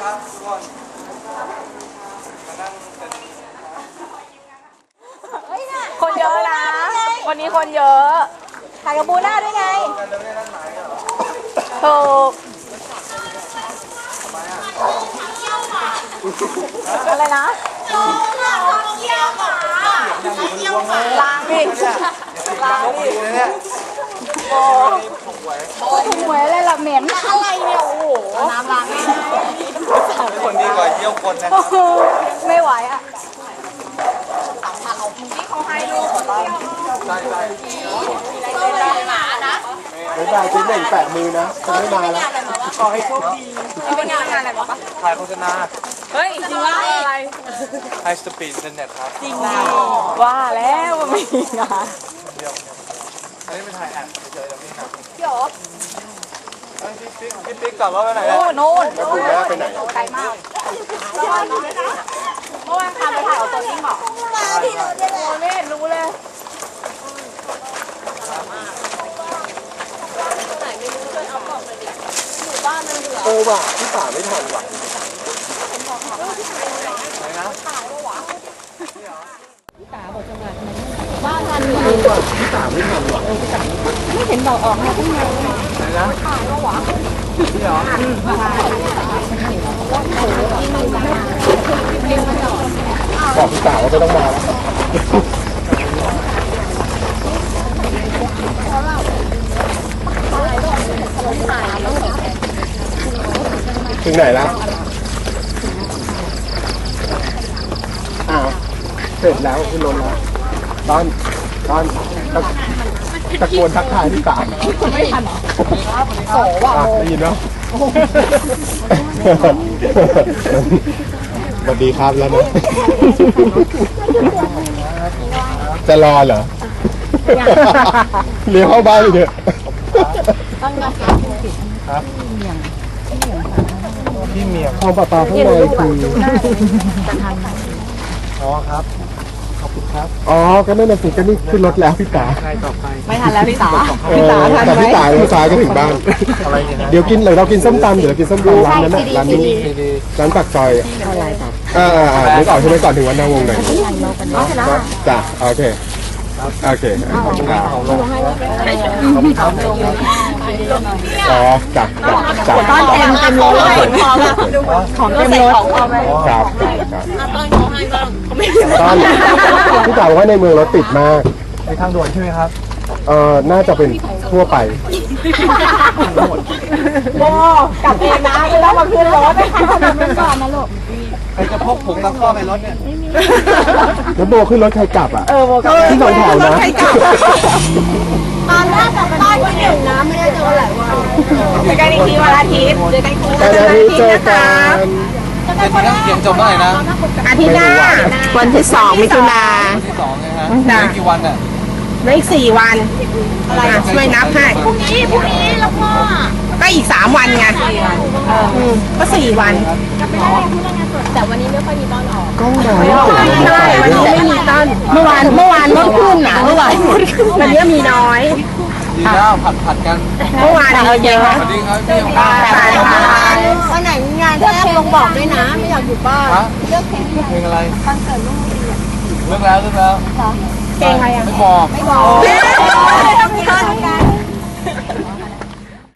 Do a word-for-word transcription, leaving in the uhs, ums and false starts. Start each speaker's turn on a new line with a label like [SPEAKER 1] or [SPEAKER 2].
[SPEAKER 1] ครับทุกคนมานั่งเป็น
[SPEAKER 2] คนเยอะนะ วันนี้คนเยอะถ่ายกับบูน่าด้วยไงถูกอะไรนะล้างดิล้างดิโอ้ถูกหวยถูกหวยอะไรล่ะเหม็นอะไรเนี่ยโอ้โหน้ำล้าง
[SPEAKER 1] คนดีกว่าเยี่ยวคนนะครับ
[SPEAKER 2] ไม่ไหวอ่ะ
[SPEAKER 1] ใช่ใช่
[SPEAKER 3] ไม่ได้ชิ้นหนึ่งแปะมือนะจะไม่มาแล้ว
[SPEAKER 1] ขอให้โชคดี
[SPEAKER 2] เป็นงานงานอะไรบ้างปะ
[SPEAKER 1] ถ่ายโฆษณา
[SPEAKER 2] เฮ้ยจริงว่าอะไร
[SPEAKER 1] ไฮสปีดอินเทอร์เน็ตครับ
[SPEAKER 2] จริงว่าแล้วว่าไม่มีงาน
[SPEAKER 1] เดียวอันนี้เป็นถ่ายแอดเฉยๆแล้วนี่นะ
[SPEAKER 2] พี่อ๋อ
[SPEAKER 1] พี่ปิ๊กพี่ปิ๊กกลับว่าไปไหน
[SPEAKER 2] โน่นโน่น
[SPEAKER 3] แล้วคุณแม่ไปไหน
[SPEAKER 2] ไกลมากเมื่อวานเมื่อวานพาไปถ่ายเอาตัวจริงเหรอไม่เห็นรู้เลย
[SPEAKER 3] โอ้ว่ะพี่ป่าไม่ทันว่ะ
[SPEAKER 1] ไหนนะ
[SPEAKER 3] บ้านทันเลยว่ะพี่ป่าไม่ทันว่ะ
[SPEAKER 2] ไม่เห็นบอกออกมาตั้งนาน
[SPEAKER 1] ไหนนะพี่เหรอ
[SPEAKER 3] บอกพี่ป่าว่าไม่ต้องมาแล้วถึงไหนแล้วอ้าวเสร็จแล้วคุณลงแล้วตอนตอนตะตะโกนทักทายพี่ป่า
[SPEAKER 2] ไม่ทันโอ้ว่ะ
[SPEAKER 3] ได้ยินเนาะสวัสดีครับแล้วนะจะรอเหรอเลี้ยวเข้าบ้านเลยเถอะครับพี่เมียงของปลาปลาข้างในคืออ๋อครับขอบคุณครับอ๋อก็นั่นน่ะสิก็นี่ขึ้นรถแล้วพี่ตาใครต่อไป
[SPEAKER 2] ไม่ทันแล้วพี่ตา
[SPEAKER 3] พี่ตาทันไหมแต่พี่ตาเลี้ยวซ้ายก็ถึงบ้านอะไรเนี่ยเดี๋ยวกินเลยเรากินส้มตำเดี๋ยวกินส้มตำร้านนั้นน่ะร้านนี้ร้านปากซอยอ่าอ่าอ่านึกออกใช่ไหมก่อนถึงวันนาวงหน่อยจ้ะโอเคโอเคอ๋อจับจับจับ
[SPEAKER 2] ต้อนเต็มเต็มรถเลยของเต็มรถ
[SPEAKER 3] ครับ
[SPEAKER 2] ต้อนเขาให้บ้างเขาไม่
[SPEAKER 3] ต้อนพี่จ๋าบอกว่าในเมืองรถติดมาก
[SPEAKER 1] ในทางด่วนใช่ไหมครับ
[SPEAKER 3] เอ่อน่าจะเป็นทั่วไป
[SPEAKER 2] โบกลับเองนะไม่ต้องมาขึ้นรถนะคะทำเป็นก่อนนะลูก
[SPEAKER 1] ใครจะพกผงตะข้อในรถเนี่ย
[SPEAKER 3] แล้วโบขึ้นรถใครกลับอ่ะ
[SPEAKER 2] เออโบกลับ
[SPEAKER 3] ที่สองแถวนะ
[SPEAKER 2] ตอนแรกกับบ้านที่หนึ่งนะไม่ได้เจอหลายวันเจอกันอีกทีวันอาทิตย์เจอกันคู่
[SPEAKER 3] วันอาทิตย์เจอกัน
[SPEAKER 1] เดี๋ยวเขียนจบเมื่อไหร่นะ
[SPEAKER 2] อาทิตย์หน้าวันที่สองมิถุนา
[SPEAKER 1] วันที่สองไงฮะไม่กี่วันอ่ะ
[SPEAKER 2] ไม่อีกสี่วันอะไรช่วยนับให้พรุ่งนี้พรุ่งนี้แล้วก็ก็อีกสามวันไงก็สี่วันแต่วันนี้ไม่ค่อยมีต้นออก
[SPEAKER 3] กล้องมา
[SPEAKER 2] ไม่ใช่วันนี้ไม่มีต้นเมื่อวานเมื่อวานรถขึ้นนะเมื่อวานวันนี้มีน้อย
[SPEAKER 1] ดีแล้วผัดผัดกัน
[SPEAKER 2] เมื่อวานเราเยอะ
[SPEAKER 1] สวัสดีครับพี่
[SPEAKER 2] ค่ะวันไหนงานแทบลงบอกด้วยนะไม่อยากอยู่บ้าน
[SPEAKER 1] เลือกเพลงเพลงอะไรคอนเสิร์ตลูกเลือกแล้วเลือกแล้ว
[SPEAKER 2] เพลงอะไรอ่ะ
[SPEAKER 1] ไม่บอก
[SPEAKER 2] ไม่บอก